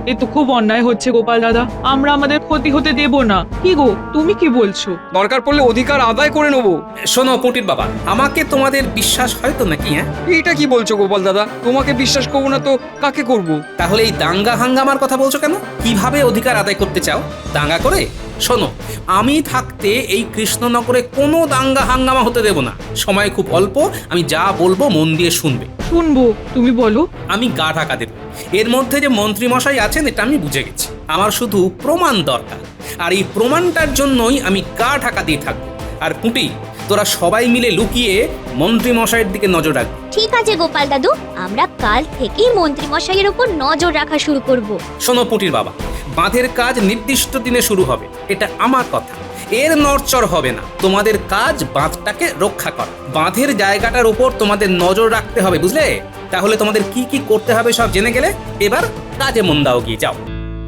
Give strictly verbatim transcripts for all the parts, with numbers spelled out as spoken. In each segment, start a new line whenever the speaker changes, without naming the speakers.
এ তো খুব অন্যায় হচ্ছে গোপাল দাদা, আমরা আমাদের ক্ষতি হতে দেব না। কি গো, তুমি কি বলছো?
দরকার পড়লে অধিকার আদায় করে নেবো।
শোনো পুটির বাবা, আমাকে তোমাদের বিশ্বাস হয়তো নাকি? হ্যাঁ,
এইটা কি বলছো গোপাল দাদা? তোমাকে বিশ্বাস করবো না তো কাকে করব?
তাহলে এই দাঙ্গা হাঙ্গামার কথা বলছো কেন? কিভাবে অধিকার আদায় করতে চাও? দাঙ্গা করে? শোনো, আমি থাকতে এই কৃষ্ণনগরে কোনো দাঙ্গা হাঙ্গামা হতে দেব না। সময় খুব অল্প, আমি যা বলবো মন দিয়ে শুনবে।
শুনবো, তুমি বলো।
আমি গা ঢাকা দেব। এর মধ্যে যে মন্ত্রী মশাই আছেন এটা আমি বুঝে গেছি। আমার শুধু প্রমাণ দরকার, আর এই প্রমাণটার জন্যই আমি গা ঢাকা দিয়ে থাকবো। আর পুটি, তোরা সবাই মিলে লুকিয়ে মন্ত্রী মশাইয়ের দিকে নজর রাখবি।
ঠিক আছে গোপাল দাদু, আমরা কাল থেকেই মন্ত্রী মশাইয়ের উপর নজর রাখা শুরু করব।
শোনো পুটির বাবা, বাঁধের কাজ নির্দিষ্ট দিনে শুরু হবে, এটা আমার কথা। এর নড়চড় হবে না। তোমাদের কাজ বাঁধটাকে রক্ষা করা। বাঁধের জায়গাটার উপর তোমাদের নজর রাখতে হবে, বুঝলে? তাহলে তোমাদের কি কি করতে হবে সব জেনে গেলে এবার কাজে মন দাও, গিয়ে যাও।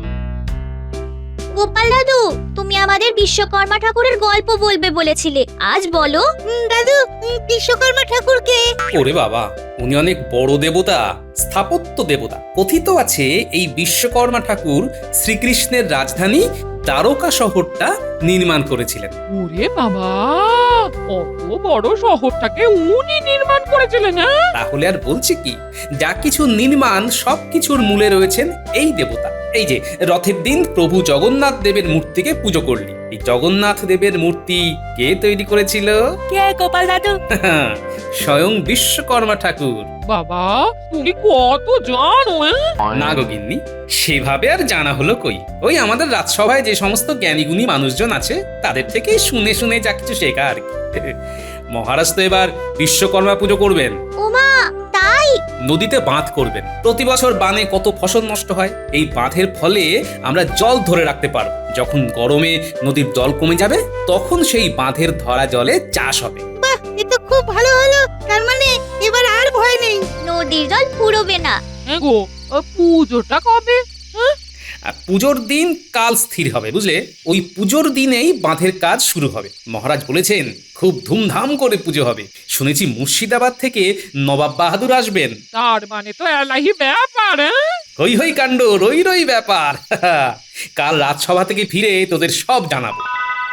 গোপাল দাদু, তুমি আমাদের বিশ্বকর্মা ঠাকুরের গল্প বলবে বলেছিলে, আজ বলো। দাদু, বিশ্বকর্মা ঠাকুরকে?
ওরে বাবা, উনি অনেক বড় দেবতা, স্থাপত্য দেবতা। কথিত আছে এই বিশ্বকর্মা ঠাকুর শ্রীকৃষ্ণের রাজধানী দ্বারকা শহরটা নির্মাণ করেছিলেন।
ওরে বাবা, কত বড় শহরটাকে উনি নির্মাণ করেছিলেন। হ্যাঁ,
তাহলে আর বলছি কি, যা কিছু নির্মাণ সবকিছুর মূলে রয়েছেন এই দেবতা। এই যে রথের দিন প্রভু জগন্নাথ দেবের মূর্তিকে পুজো করলি, এই জগন্নাথ দেবের মূর্তি কে তৈরি করেছিল?
কে গোপাল দাদু?
স্বয়ং বিশ্বকর্মা ঠাকুর।
বাবা তুমি কত জানো।
না গো গিন্নি, সেভাবে আর জানা হলো কই। ওই আমাদের রাজসভায় যে সমস্ত জ্ঞানীগুণী মানুষজন আছে তাদের থেকেই শুনে শুনে যা কিছু শেখা আর কি। মহারাজ তো এবার বিশ্বকর্মা পুজো করবেন।
ওমা, তাই?
নদীতে বাঁধ করবেন। প্রতি বছর বানে কত ফসল নষ্ট হয়, এই বাঁধের ফলে আমরা জল ধরে রাখতে পারবো। যখন গরমে নদীর জল কমে যাবে তখন সেই বাঁধের ধরা জলে চাষ হবে।
বাহ, এ তো খুব ভালো হলো। তার মানে এবার আর ভয় নেই, নদীর জল ফুরোবে না।
হ্যাঁ গো, পুজোটা কবে?
আর পুজোর দিন কাল স্থির হবে, বুঝলে? ওই পুজোর দিনেই বাঁধের কাজ শুরু হবে। মহারাজ বলেছেন খুব ধুমধাম করে পুজো হবে। শুনেছি মুর্শিদাবাদ থেকে নবাব বাহাদুর আসবেন।
তার মানে তো এলাহি ব্যাপার।
হই হই কাণ্ড, রই রই ব্যাপার। কাল রাজসভা থেকে ফিরে তোদের সব জানাবো।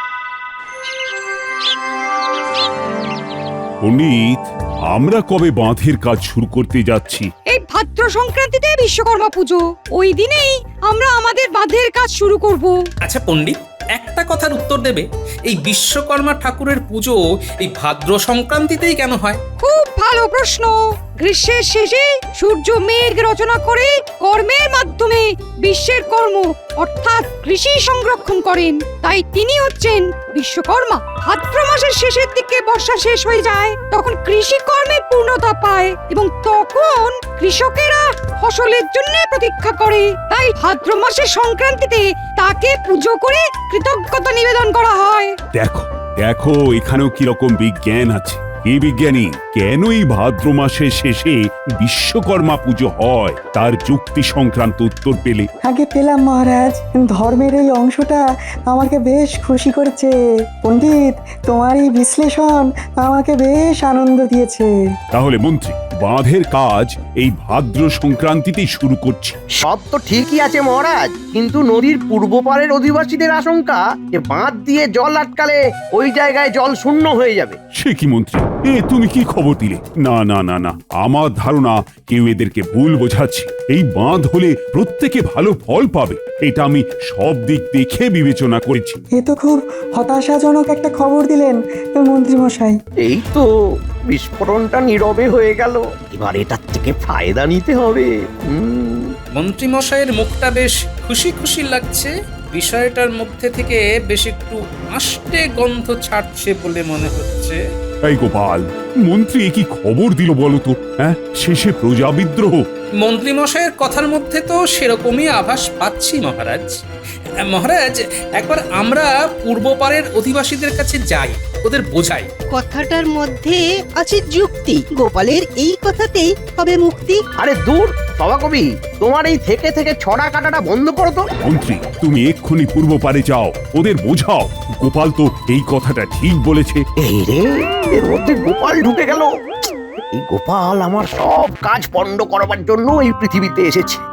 পণ্ডিত, আমরা কবে বাঁধের কাজ শুরু করতে যাচ্ছি?
এই ভাদ্র সংক্রান্তিতে বিশ্বকর্মা পুজো, ওই দিনেই আমরা আমাদের বাঁধের কাজ শুরু করব।
আচ্ছা পণ্ডিত, একটা কথার উত্তর দেবে, এই বিশ্বকর্মা ঠাকুরের পুজো এই ভাদ্র সংক্রান্তিতেই কেন হয়?
খুব ভালো প্রশ্ন। গ্রীষ্মের শেষে সূর্য মেঘ রচনা করে কর্মের মাধ্যমে বিশ্বের কর্ম অর্থাৎ কৃষি সংরক্ষণ করেন, তাই তিনি হচ্ছেন বিশ্বকর্মা। ভাদ্র মাসের শেষের দিকে বর্ষা শেষ হয়ে যায়, তখন কৃষি কর্মের পূর্ণতা পায় এবং তখন কৃষকেরা ফসলের জন্য প্রতীক্ষা করে। তাই ভাদ্র মাসের সংক্রান্তিতে তাকে পুজো করে কৃতজ্ঞতা নিবেদন করা হয়।
দেখো দেখো এখানেও কিরকম বিজ্ঞান আছে। এই বিজ্ঞানী কেন এই ভাদ্র মাসের শেষে বিশ্বকর্মা পুজো হয় তার যুক্তি সংক্রান্ত উত্তর পেলে?
আগে পেলাম মহারাজ। ধর্মের এই অংশটা আমাকে বেশ খুশি করেছে। পণ্ডিত, তোমার এই বিশ্লেষণ আমাকে বেশ আনন্দ দিয়েছে।
তাহলে মন্ত্রী, বাঁধের কাজ এই ভাদ্র সংক্রান্তিতেই শুরু করছি।
সব তো ঠিকই আছে মহারাজ, কিন্তু নদীর পূর্ব পারের অধিবাসীদের আশঙ্কা যে বাঁধ দিয়ে জল আটকালে ওই জায়গায় জল শূন্য হয়ে যাবে।
সে কি মন্ত্রী, এ তুমি কি খবর দিলে? না না না না, আমার ধারণা কেউ এদেরকে ভুল বোঝাচ্ছে। এই বাঁধ হলে প্রত্যেকে ভালো ফল পাবে, এটা আমি সব দিক দেখে বিবেচনা করেছি।
এ তো খুব হতাশাজনক একটা খবর দিলেন মন্ত্রী মশাই।
এই তো বিস্ফোরণটা নীরবে হয়ে গেল, এবার এটার থেকে ফায়দা নিতে হবে। হুম,
মন্ত্রী মশাইয়ের মুখটা বেশ খুশি খুশি লাগছে। বিষয়টার মধ্যে থেকে বেশ একটু আষ্টে গন্ধ ছাড়ছে বলে মনে হচ্ছে।
এই গোপাল, মন্ত্রী কি খবর দিল বলো তো? হ্যাঁ, শেষে প্রজা বিদ্রোহ?
মন্ত্রী মশাইয়ের কথার মধ্যে তো সেরকমই আভাস পাচ্ছি মহারাজ। মহারাজ, একবার আমরা পূর্ব পারের অধিবাসীদের কাছে যাই, ওদের বোঝাই।
কথাটার মধ্যে আছে যুক্তি। গোপালের এই কথাতেই হবে মুক্তি।
আরে দূর সভাকবি, তোমার এই থেকে থেকে ছড়া কাটাটা বন্ধ করো তো।
মন্ত্রী, তুমি এক্ষুনি পূর্ব পারে যাও, ওদের বোঝাও গোপাল তো এই কথাটা ঠিক বলেছে।
এই রে, এর মধ্যে গোপাল ঢুকে গেল। এই গোপাল আমার সব কাজ পণ্ড করবার জন্য এই পৃথিবীতে এসেছে।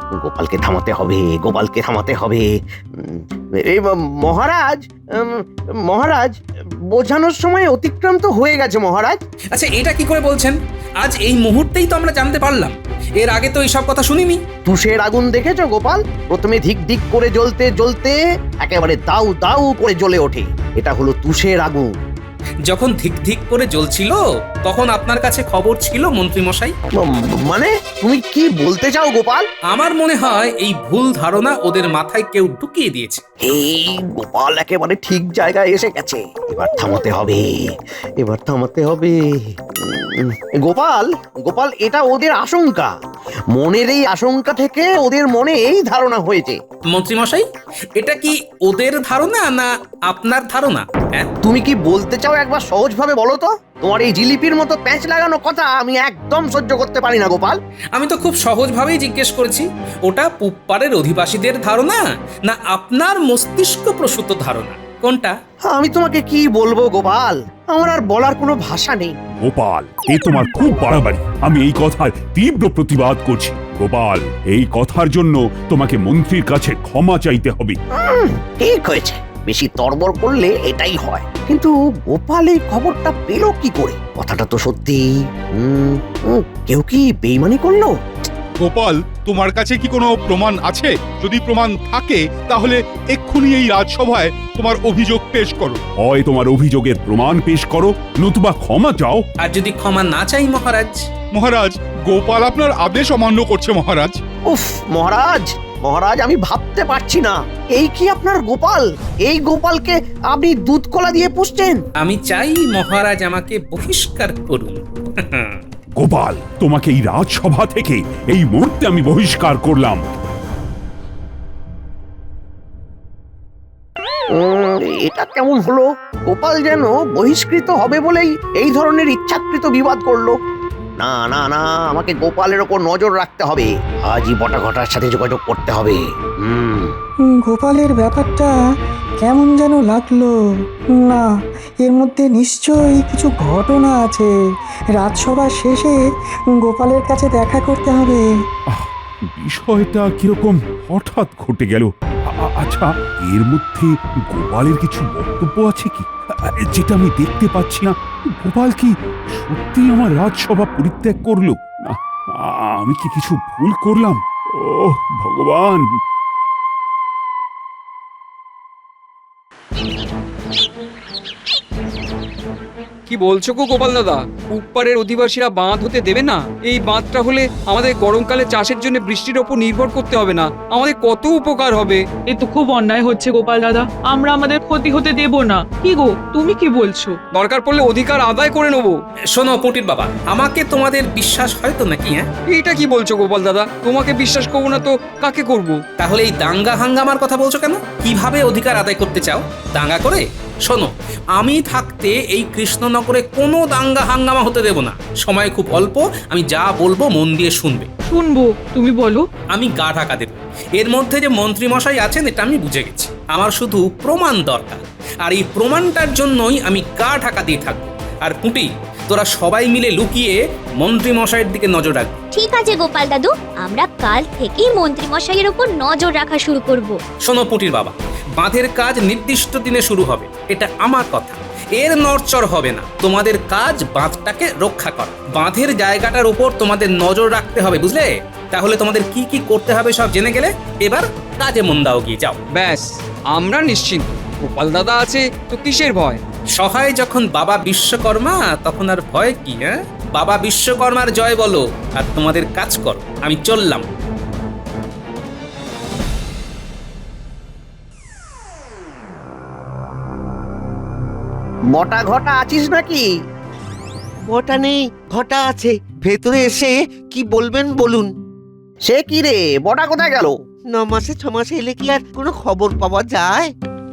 গোপালকে থামাতে হবে, গোপালকে থামাতে হবে। উম, এই ম- মহারাজ উম, মহারাজ বোঝানোর সময় অতিক্রাম তো হয়ে গেছে মহারাজ।
আচ্ছা এটা কি করে বলছেন? আজ এই মুহূর্তেই তো আমরা জানতে পারলাম, এর আগে তো এইসব কথা শুনিনি।
তুষের আগুন দেখেছো গোপাল? প্রথমে ধিক ধিক করে জ্বলতে জ্বলতে একেবারে দাউ দাউ করে জ্বলে ওঠে, এটা হলো তুষের আগুন।
যখন ধিক ধিক করে জ্বলছিল তখন আপনার কাছে খবর ছিল মন্ত্রী মশাই?
ম- মানে তুমি কি বলতে চাও গোপাল?
আমার মনে হয় এই ভুল ধারণা ওদের মাথায় কেউ ঢুকিয়ে দিয়েছে।
এই গোপাল একেবারে ঠিক জায়গায় এসে গেছে, এবার থামাতে হবে, এবার থামাতে হবে। উম, গোপাল গোপাল এটা ওদের আশঙ্কা, মনের এই আশঙ্কা থেকে ওদের মনে এই ধারণা হয়েছে।
মন্ত্রী মশাই, এটা কি ওদের ধারণা না আপনার ধারণা? হ্যাঁ,
তুমি কি বলতে চাও একবার সহজভাবে বলো তো? তোমার এই জিলিপির মতো প্যাঁচ লাগানো কথা আমি একদম সহ্য করতে পারি না গোপাল।
আমি তো খুব সহজভাবেই জিজ্ঞেস করেছি, ওটা পুপ্পারের অধিবাসীদের ধারণা না আপনার মস্তিষ্ক প্রসূত ধারণা, কোনটা?
আমি তোমাকে কি বলবো গোপাল, আমার আর বলার কোনো ভাষা নেই।
গোপাল, এ তোমার খুব বাড়াবাড়ি। আমি এই কথার তীব্র প্রতিবাদ করছি। গোপাল, এই কথার জন্য তোমাকে মন্ত্রীর কাছে ক্ষমা চাইতে হবে।
উম, ঠিক হয়েছে, বেশি তরবর করলে এটাই হয়। কিন্তু গোপাল এই খবরটা পেল কি করে? কথাটা তো সত্যি। উম, উম, কেউ কি বেইমানি করলো?
গোপাল, তোমার কাছে কি কোনো প্রমাণ আছে? যদি প্রমাণ থাকে তাহলে এক্ষুনি এই রাজসভায় তোমার অভিযোগ পেশ করো।
হয় তোমার অভিযোগের প্রমাণ পেশ করো, নতুবা ক্ষমা চাও।
আর যদি ক্ষমা না চাই মহারাজ?
মহারাজ, গোপাল আপনার আদেশ অমান্য করছে মহারাজ।
উফ মহারাজ, মহারাজ আমি ভাবতে পারছি না, এই কি আপনার গোপাল? এই গোপালকে আপনি দুধ কলা দিয়ে পুষছেন?
আমি চাই মহারাজ আমাকে বহিষ্কার করুন।
গোপাল, তোমাকে এই রাজসভা থেকে এই মুহূর্তে আমি বহিষ্কার করলাম।
উম, এটা কেমন হলো? গোপাল যেন বহিষ্কৃত হবে বলেই এই ধরনের ইচ্ছাকৃত বিবাদ করলো। না না না, আমাকে গোপালের ওপর নজর রাখতে হবে, আজই বটা ঘটার সাথে যোগাযোগ করতে হবে। হুম
হুম, গোপালের ব্যাপারটা কেমন যেন লাগলো। না, এর মধ্যে নিশ্চয়ই কিছু ঘটনা আছে। রাজসভা শেষে গোপালের কাছে দেখা করতে হবে।
বিষয়টা কিরকম হঠাৎ ঘটে গেল। আ- আ- আচ্ছা, এর মধ্যে গোপালের কিছু বক্তব্য আছে কি, আ, যেটা আমি দেখতে পাচ্ছি না? গোপাল কি সত্যি আমার রাজসভা পরিত্যাগ করলো? না, আ- আমি কি কিছু ভুল করলাম? ও ভগবান!
কি বলছো গো গোপাল দাদা? উপ্পারের অধিবাসীরা বাঁধ হতে দেবে না? এই বাঁধটা হলে আমাদের গরমকালে চাষের জন্য বৃষ্টির ওপর নির্ভর করতে হবে না, আমাদের কত উপকার হবে।
এ তো খুব অন্যায় হচ্ছে গোপাল দাদা, আমরা আমাদের ক্ষতি হতে দেব না। কি গো, তুমি কি বলছো?
দরকার পড়লে অধিকার আদায় করে নেবো।
শোনো পুটির বাবা, আমাকে তোমাদের বিশ্বাস হয় তো নাকি? হ্যাঁ,
এটা কি বলছো গোপাল দাদা? তোমাকে বিশ্বাস করবো না তো কাকে করব?
তাহলে এই দাঙ্গা হাঙ্গামার কথা বলছো কেন? কিভাবে অধিকার আদায় করতে চাও? দাঙ্গা করে? শোনো, আমি থাকতে এই কৃষ্ণনগরে কোনো দাঙ্গা হাঙ্গামা হতে দেব না। সময় খুব অল্প, আমি যা বলবো মন দিয়ে শুনবে।
শুনবো, তুমি বলো।
আমি গা ঢাকা দেব। এর মধ্যে যে মন্ত্রী মশাই আছেন এটা আমি বুঝে গেছি। আমার শুধু প্রমাণ দরকার, আর এই প্রমাণটার জন্যই আমি গা ঢাকা দিয়ে থাকবো। আর পুঁটি, তোরা সবাই মিলে লুকিয়ে মন্ত্রী মশাইয়ের দিকে নজর রাখবি।
ঠিক আছে গোপাল দাদু, আমরা কাল থেকেই মন্ত্রী মশাইয়ের উপর নজর রাখা শুরু করব।
শোনো পুটির বাবা, বাঁধের কাজ নির্দিষ্ট দিনে শুরু হবে, এটা আমার কথা। এর নড়চড় হবে না। তোমাদের কাজ বাঁধটাকে রক্ষা করা, বাঁধের জায়গাটার উপর তোমাদের নজর রাখতে হবে, বুঝলে? তাহলে তোমাদের কি কি করতে হবে সব জেনে গেলে এবার কাজে মন দাও, গিয়ে যাও।
ব্যাস, আমরা নিশ্চিন্ত। গোপাল দাদা আছে তো কিসের ভয়?
সহায় যখন বাবা বিশ্বকর্মা, তখন আর ভয় কি? হ্যাঁ, বাবা বিশ্বকর্মার জয় বলো আর তোমাদের কাজ করো। আমি চললাম।
বটা ঘটা আছিস নাকি?
বটা নেই, ঘটা আছে। ভেতরে এসে কি বলবেন বলুন।
সে কি রে, বটা কোথায় গেল?
ন মাসে ছ মাসে এলে কি আর কোনো খবর পাওয়া যায়?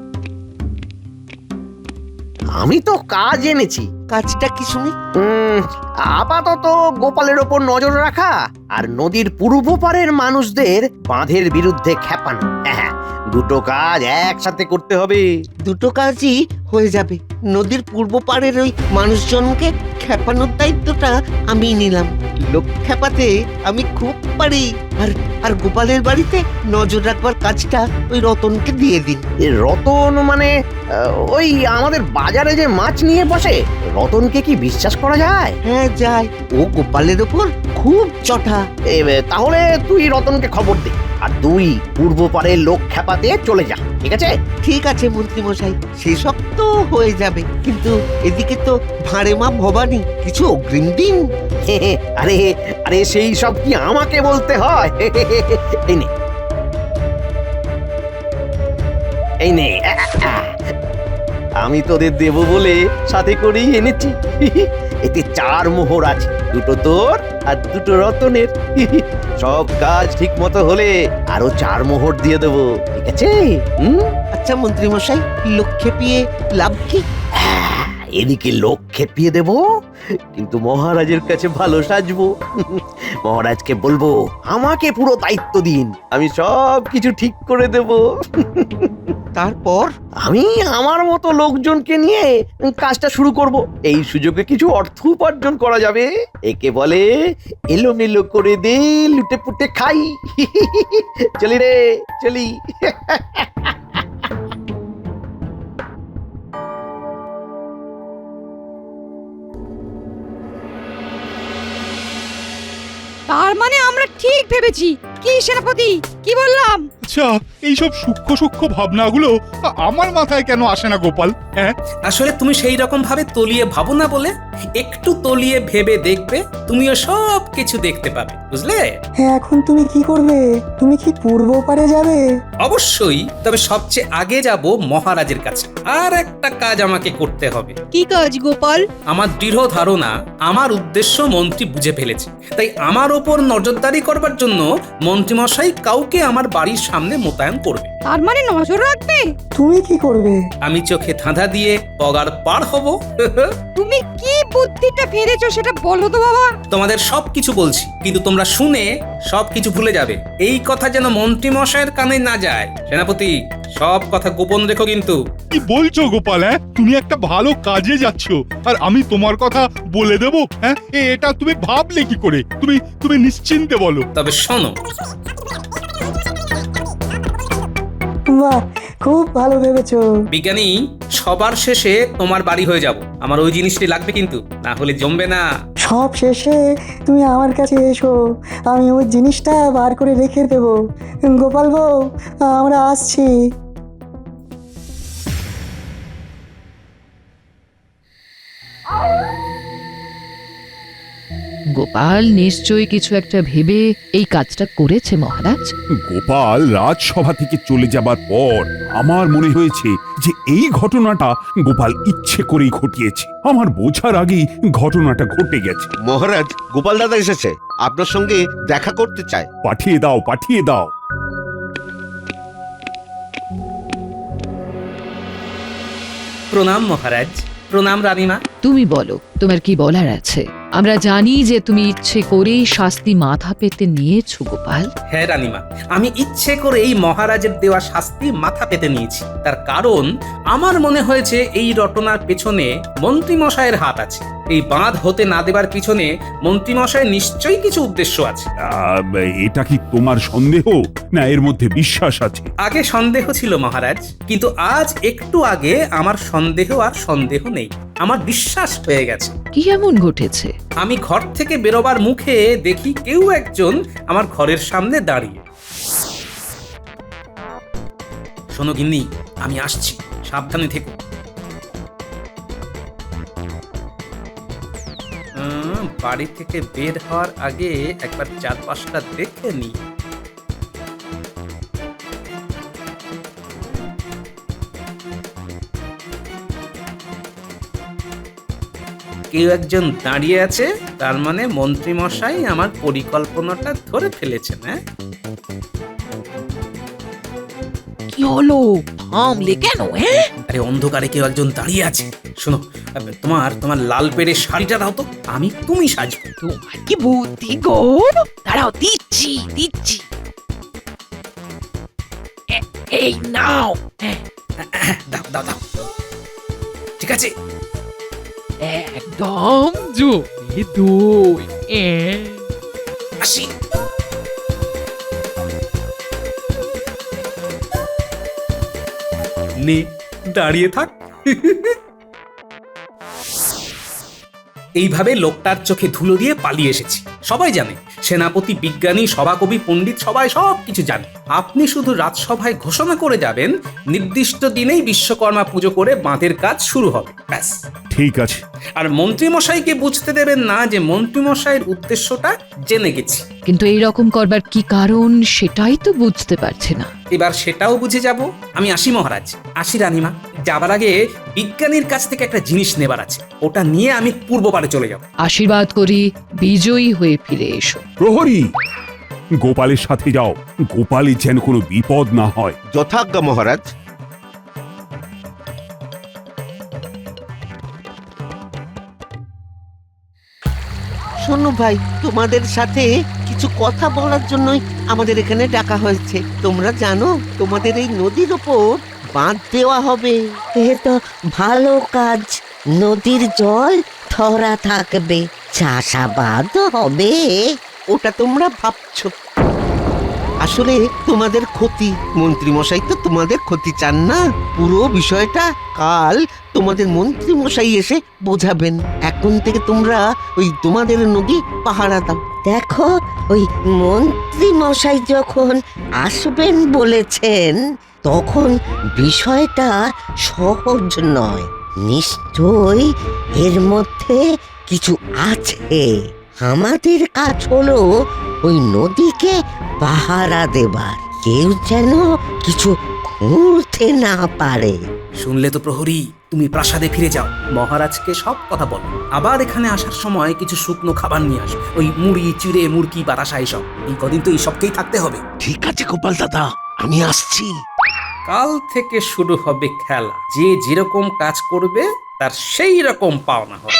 আমি তো কাজ এনেছি।
কাজটা কি শুনি?
উম, আপাতত গোপালের ওপর নজর রাখা আর নদীর পূর্ব পারের মানুষদের বাঁধের বিরুদ্ধে খেপানো। হ্যাঁ, দুটো কাজ একসাথে করতে হবে।
দুটো কাজই হয়ে যাবে। নদীর পূর্ব পাড়ের ওই মানুষজনকে খেপানোর দায়িত্বটা আমি নিলাম। লোক খেপাতে আমি খুব পারি। আর আর গোপালের বাড়িতে নজর রাখবার কাজটা ওই রতনকে দিয়ে দিন।
এ রতন মানে আহ, ওই আমাদের বাজারে যে মাছ নিয়ে বসে, রতনকে কি বিশ্বাস করা যায়?
হ্যাঁ যায়, ও গোপালের ওপর খুব চটা।
এ, তাহলে তুই রতনকে খবর দে, আর তুই পূর্ব পাড়ের লোক খেপাতে চলে যা, ঠিক আছে?
ঠিক আছে মন্ত্রী মশাই, সেসব তো হয়ে যাবে, কিন্তু এদিকে তো ভাঁড়ে মা ভবানী, কিছু অগ্রিম দিন।
আরে আরে সেই সব কি আমাকে বলতে হয়? এই নে এই নে আমি তোদের দেব বলে সাথে করেই এনেছি। এতে চার মোহর আছে, দুটো তোর আর দুটো রতনের। সব কাজ ঠিক মতো হলে আরো চার মোহর দিয়ে দেবো, ঠিক আছে? হুম,
আচ্ছা মন্ত্রী মশাই, লোক খেপিয়ে লাভ কি?
এদিকে লোক খেপিয়ে দেব, কিন্তু মহারাজের কাছে ভালো সাজবো। মহারাজকে বলবো আমাকে পুরো দায়িত্ব দিন, আমি সব কিছু ঠিক করে দেব।
তারপর
আমি আমার মতো লোকজনকে নিয়ে কাজটা শুরু করব। এই সুযোগে কিছু অর্থ উপার্জন করা যাবে। একে বলে এলোমেলো করে দে, লুটে পুটে খাই। চলি রে চলি।
তার মানে আমরা ঠিক ভেবেছি। কি সেনাপতি, কি বললাম?
আচ্ছা, এইসব সূক্ষ্ম সূক্ষ্ম ভাবনাগুলো আ- আমার মাথায় কেন আসে না গোপাল? হ্যাঁ,
আসলে তুমি সেই রকম ভাবে তলিয়ে ভাবো না বলে। একটু তলিয়ে ভেবে দেখবে, তুমিও সব কিছু দেখতে পাবে, বুঝলে?
হ্যাঁ, এখন তুমি কি করবে? তুমি কি পূর্ব পারে যাবে?
অবশ্যই, তবে সবচেয়ে আগে যাব মহারাজের কাছে। আর একটা কাজ আমাকে করতে হবে।
কি কাজ গোপাল?
আমার দৃঢ় ধারণা আমার উদ্দেশ্য মন্ত্রী বুঝে ফেলেছে, তাই আমার ওপর নজরদারি করবার জন্য মন্ত্রীমশাই কাউকে আমার বাড়ির সামনে মোতায়েন করবে।
তার মানে নজর রাখবে?
তুমি কি করবে?
আমি চোখে ধাঁধা দিয়ে পগার পার হব।
তুমি কি বুদ্ধিটা ফেলেছো সেটা বলো তো বাবা।
তোমাদের সব কিছু বলছি, কিন্তু তোমরা শুনে সব কিছু ভুলে যাবে। এই কথা যেন মন্ত্রী মশাইয়ের কানে না যায়। সেনাপতি, সব কথা গোপন রেখো কিন্তু।
কি বলছো গোপাল? হ্যাঁ, তুমি একটা ভালো কাজে যাচ্ছ আর আমি তোমার কথা বলে দেবো? হ্যাঁ, এ, এটা তুমি ভাবলে কি করে? তুমি তুমি নিশ্চিন্তে বলো।
তবে শোনো,
বাহ, খুব ভালো ভেবেছো।
বিজ্ঞানী, সবার শেষে তোমার বাড়ি হয়ে যাব। আমার ওই জিনিসটি লাগবে কিন্তু, না হলে জমবে না।
সব শেষে তুমি আমার কাছে এসো, আমি ওই জিনিসটা বার করে রেখে দেবো। গোপাল বউ, আমরা আসছি।
গোপাল নিশ্চয়ই কিছু একটা ভেবে এই কাজটা করেছে মহারাজ।
গোপাল রাজসভা থেকে চলে যাবার পর আমার মনে হয়েছে যে এই ঘটনাটা গোপাল ইচ্ছে করেই ঘটিয়েছে। আমার বোঝার আগেই ঘটনাটা ঘটে গেছে।
মহারাজ, গোপাল দাদা এসেছে, আপনার সঙ্গে দেখা করতে চায়।
পাঠিয়ে দাও, পাঠিয়ে দাও।
প্রণাম মহারাজ। প্রণাম রানীমা।
তুমি বলো, তোমার কি বলার আছে? আমরা জানি যে তুমি ইচ্ছে করেই শাস্তি মাথা পেতে নিয়েছো গোপাল।
হ্যাঁ রানীমা, আমি ইচ্ছে করে এই মহারাজের দেওয়া শাস্তি মাথা পেতে নিয়েছি। তার কারণ আমার মনে হয়েছে এই রটনার পেছনে মন্ত্রী মশাইয়ের হাত আছে। এই বাঁধ হতে না দেবার পিছনে মন্ত্রী মশাইয়ের নিশ্চয়ই কিছু উদ্দেশ্য আছে।
আহ, এটা কি তোমার সন্দেহ, না এর মধ্যে বিশ্বাস আছে?
আগে সন্দেহ ছিল মহারাজ, কিন্তু আজ একটু আগে আমার সন্দেহ আর সন্দেহ নেই, আমার বিশ্বাস হয়ে গেছে।
কি এমন ঘটেছে?
আমি ঘর থেকে বেরোবার মুখে দেখি কেউ একজন আমার ঘরের সামনে দাঁড়িয়ে। শোনো গিন্নি, আমি আসছি, সাবধানে থেকো। উম, বাড়ি থেকে বের হওয়ার আগে একবার চারপাশটা দেখে নি। কেউ একজন দাঁড়িয়ে আছে, তার মানে মন্ত্রী মশাই আমার পরিকল্পনাটা ধরে ফেলেছেন। হ্যাঁ,
কি হলো? থামলে কেন? হ্যাঁ,
আরে অন্ধকারে কেউ একজন দাঁড়িয়ে আছে। শোনো, তোমার তোমার লাল পেড়ে শাড়িটা দাও তো, আমি তুমি সাজবো।
তোমার কি বুদ্ধি গো! দাঁড়াও, দিচ্ছি দিচ্ছি। এ-
এই নাও।
দাও দাও দাও ঠিক আছে
একদম জমে দই। এ,
আসি নে দাঁড়িয়ে থাক এইভাবে লোকটার চোখে ধুলো দিয়ে পালিয়ে এসেছি। সবাই জানে, সেনাপতি, বিজ্ঞানী, সভাকবি, পণ্ডিত সবাই সব কিছু জানে। আপনি শুধু রাজসভায় ঘোষণা করে যাবেন নির্দিষ্ট দিনেই বিশ্বকর্মা পুজো করে বাঁধের কাজ শুরু হবে, ব্যাস।
ঠিক আছে।
আর মন্ত্রীমশাইকে বুঝতে দেবেন না যে মন্ত্রীমশাইয়ের উদ্দেশ্যটা জেনে গেছি।
কিন্তু এই রকম করবার কি কারণ সেটাই তো বুঝতে পারছে না।
এবার সেটাও বুঝে যাব। আমি আসি মহারাজ, আসি রানীমা। যাবার আগে বিজ্ঞানীর কাছ থেকে একটা জিনিস নেবার আছে, ওটা নিয়ে আমি পূর্ব পারে চলে যাব।
আশীর্বাদ করি বিজয়ী হয়ে ফিরে এসো।
প্রহরী, গোপালের সাথে যাও, গোপালের যেন কোনো বিপদ না হয়।
যথাজ্ঞা মহারাজ। শোনো ভাই, তোমাদের সাথে কিছু কথা বলার জন্যই আমাদের এখানে ডাকা হয়েছে। তোমরা জানো তোমাদের এই নদীর ওপর বাঁধ দেওয়া হবে।
এ তো ভালো কাজ, নদীর জল ধরা থাকবে, চাষাবাদ হবে।
ওটা তোমরা ভাবছো, আসলে তোমাদের ক্ষতি। মন্ত্রী মশাই তো তোমাদের ক্ষতি চান না। পুরো বিষয়টা কাল তোমাদের মন্ত্রী মশাই এসে বোঝাবেন। এখন থেকে তোমরা ওই তোমাদের নদী পাহারা দাও।
দেখো, ওই মন্ত্রী মশাই যখন আসবেন বলেছেন, তখন বিষয়টা সহজ নয়। নিশ্চয়ই এর মধ্যে কিছু আছে। আমাদের কাজ হলো ওই নদীকে পাহারা দেবার, কেউ যেন কিছু খুঁড়তে না পারে।
শুনলে তো প্রহরী, তুমি প্রাসাদে ফিরে যাও, মহারাজকে সব কথা বলো। আবার এখানে আসার সময় কিছু শুকনো খাবার নিয়ে আসো, ওই মুড়ি, চিড়ে, মুরগি, বাতাসা এইসব। এই কদিন তো এইসবকেই থাকতে হবে।
ঠিক আছে গোপাল দাদা, আমি আসছি।
কাল থেকে শুরু হবে খেলা। যে যেরকম কাজ করবে তার সেই রকম পাওনা হবে।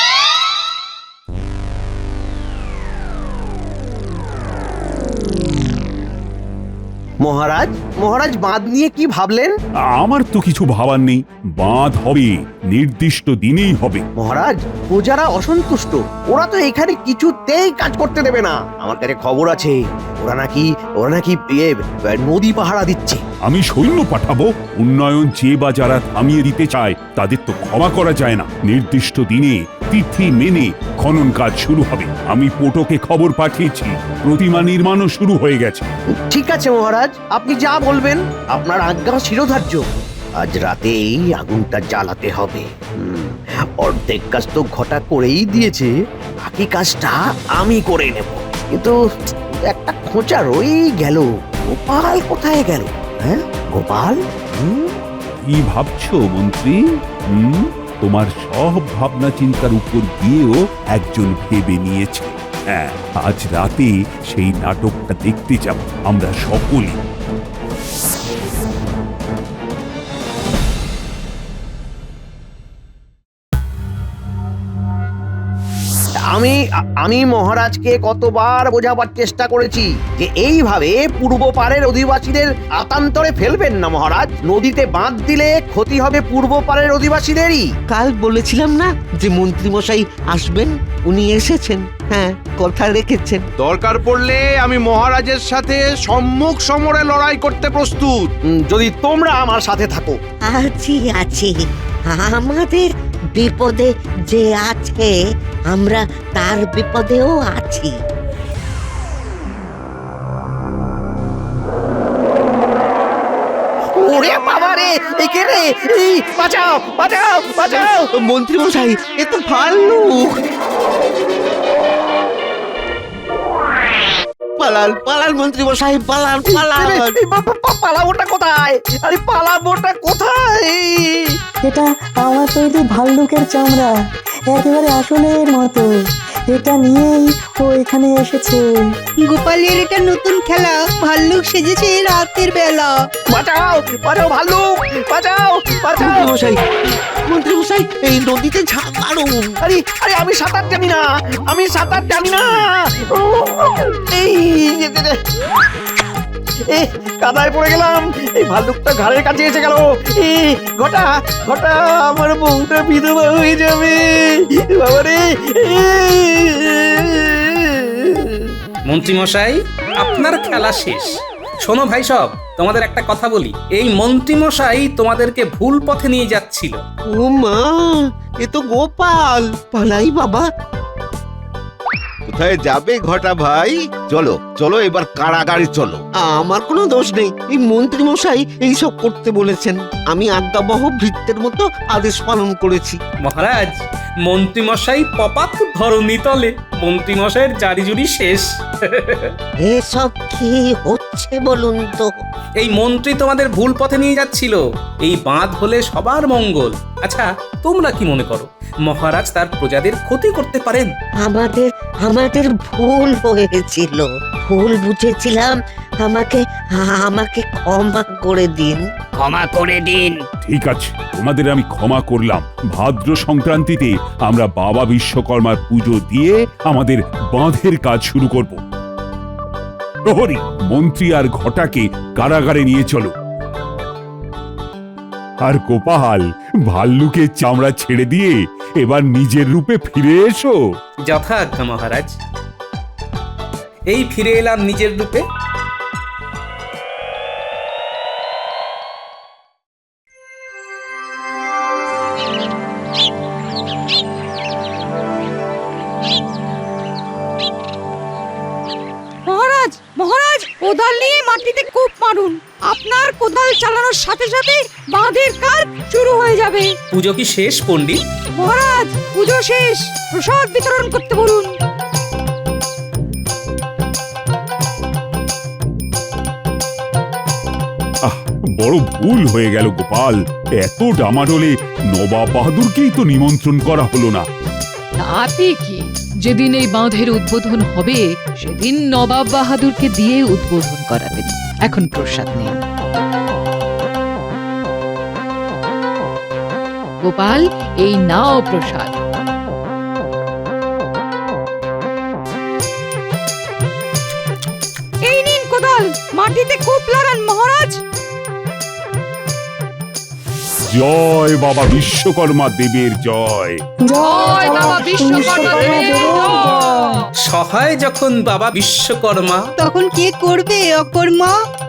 মহারাজ, মহারাজ বাঁধ নিয়ে কি ভাবলেন?
আমার তো কিছু ভাবার নেই, বাঁধ হবে, নির্দিষ্ট দিনেই হবে।
মহারাজ, প্রজারা অসন্তুষ্ট, ওরা তো এখানে কিছুতেই কাজ করতে দেবে না। আমার কাছে খবর আছে, ওরা নাকি ওরা নাকি ইয়ে, নদী পাহারা দিচ্ছে।
আমি সৈন্য পাঠাবো, উন্নয়ন যে বা যারা থামিয়ে দিতে চায় তাদের তো ক্ষমা করা যায় না। নির্দিষ্ট দিনে তিথি মেনে খনন কাজ শুরু হবে। আমি পোটোকে খবর পাঠিয়েছি, প্রতিমা নির্মাণও শুরু হয়ে গেছে।
ঠিক আছে মহারাজ, আপনি যা বলবেন, আপনার আজ্ঞা শিরোধার্য। আজ রাতেই আগুনটা জ্বালাতে হবে। হুম, অর্ধেক কাজ তো ঘটা করেই দিয়েছে, বাকি কাজটা আমি করে নেব। কিন্তু একটা খোঁচা রয়েই গেল, গোপাল কোথায় গেল? হ্যাঁ গোপাল? হুম,
কি ভাবছো মন্ত্রী? হুম, তোমার সব ভাবনা চিন্তার উপর গিয়েও একজন ভেবে নিয়েছে। হ্যাঁ, আজ রাতে সেই নাটকটা দেখতে যাব আমরা সকলে।
আমি আমি মহারাজকে কতবার বোঝাবার চেষ্টা করেছি যে এইভাবে পূর্ব পাড়ের অধিবাসীদের আতান্তরে ফেলবেন না মহারাজ। নদীতে বাঁধ দিলে ক্ষতি হবে পূর্ব পাড়ের অধিবাসীদেরই।
কাল বলেছিলাম না যে মন্ত্রী মশাই আসবেন, উনি এসেছেন। হ্যাঁ, কথা রেখেছেন।
দরকার পড়লে আমি মহারাজের সাথে সম্মুখ সমরে লড়াই করতে প্রস্তুত,
উম, যদি তোমরা আমার সাথে থাকো।
আছি আছি, আমাদের বিপদে যে আছে, আমরা তার বিপদেও আছি।
ওরে বাবা রে, এই কে রে? এই বাঁচাও, বাঁচাও, বাঁচাও!
মন্ত্রী মশাই, এ তো ভাল্লুক। পালান পালান মন্ত্রী মশাই, পালান পালান।
এই বা- বা- বা- পালাবোটা কোথায়? আরে পালাবোটা কোথায়?
এটা আমার তৈরি ভাল্লুকের চামড়া, একেবারে আসলের মতো। এটা নিয়েই ও এখানে এসেছে।
গোপালের এটা নতুন খেলা, ভাল্লুক সেজেছে রাতের বেলা।
বাঁচাও, বাঁচাও ভাল্লুক, বাঁচাও, বাঁচাও!
মন্ত্রী মশাই, মন্ত্রী মশাই, এই নদীতে ঝাঁপ মারুন।
আরে আরে আমি সাঁতার জানি না, আমি সাঁতার জানি না। ও, এই যে- যে- যে- এ কাদায় পড়ে গেলাম, এই ভাল্লুকটা ঘাড়ের কাছে এসে গেল। এ ঘটা ঘটা, আমার বউটা বিধবা হয়ে যাবে বাবারে।
মন্ত্রী মশাই, আপনার খেলা শেষ। শোনো ভাই সব, তোমাদের একটা কথা বলি। এই মন্ত্রী মশাই তোমাদেরকে ভুল পথে নিয়ে যাচ্ছিল।
ও মা, এ তো গোপাল। পালাই বাবা।
কোথায় যাবে ঘটা ভাই? চলো চলো, এবার কারাগারে চলো।
আমার কোনো দোষ নেই, এই মন্ত্রী মশাই এইসব করতে বলেছেন। আমি আজ্ঞাবহ ভৃত্যের মতো আদেশ পালন করেছি।
মহারাজ, মন্ত্রী মশাই পপাত ধরণী তলে। মন্ত্রী মশাইয়ের জারিজুরি শেষ।
এসব কি হচ্ছে বলুন তো?
এই মন্ত্রী তোমাদের ভুল পথে নিয়ে যাচ্ছিল। এই বাঁধ হলে সবার মঙ্গল। আচ্ছা, তোমরা কি মনে করো মহারাজ তার প্রজাদের ক্ষতি করতে পারেন?
আমাদের আমাদের ভুল হয়েছিল, ভুল বুঝেছিলাম। আমাকে আমাকে ক্ষমা করে দিন।
ক্ষমা করে দিন।
ঠিক আছে, তোমাদের আমি ক্ষমা করলাম। ভাদ্র সংক্রান্তিতে আমরা বাবা বিশ্বকর্মার পুজো দিয়ে আমাদের বাঁধের কাজ শুরু করব। প্রহরী, মন্ত্রী আর ঘটাকে কারাগারে নিয়ে চলো। আর গোপাল, ভাল্লুকের চামড়া ছেড়ে দিয়ে এবার নিজের রূপে ফিরে এসো।
যথাজ্ঞা মহারাজ। এই ফিরে এলাম নিজের রূপে।
মহারাজ মহারাজ কোদাল নিয়ে মাটিতে কূপ মারুন। আপনার কোদাল চালানোর সাথে সাথে বাঁধের কাজ শুরু হয়ে যাবে।
পুজো কি শেষ পণ্ডিত?
মহারাজ, পুজো শেষ, প্রসাদ বিতরণ করতে বলুন।
আহ, বড় ভুল হয়ে গেল গোপাল। এত ডামাডোলে নবাব বাহাদুরকেই তো নিমন্ত্রণ করা হলো না।
তাতে কি, যেদিন এই বাঁধের উদ্বোধন হবে সেদিন নবাব বাহাদুরকে দিয়ে উদ্বোধন করাবেন। এখন প্রসাদ নিন। গোপাল, এই নাও প্রসাদ।
এই নিন কোদাল, মাটিতে কূপ লাগান মহারাজ।
জয় বাবা বিশ্বকর্মা দেবের জয়।
জয় বাবা বিশ্বকর্মা দেবের জয়।
সহায় যখন বাবা বিশ্বকর্মা,
তখন কে করবে অকর্মা?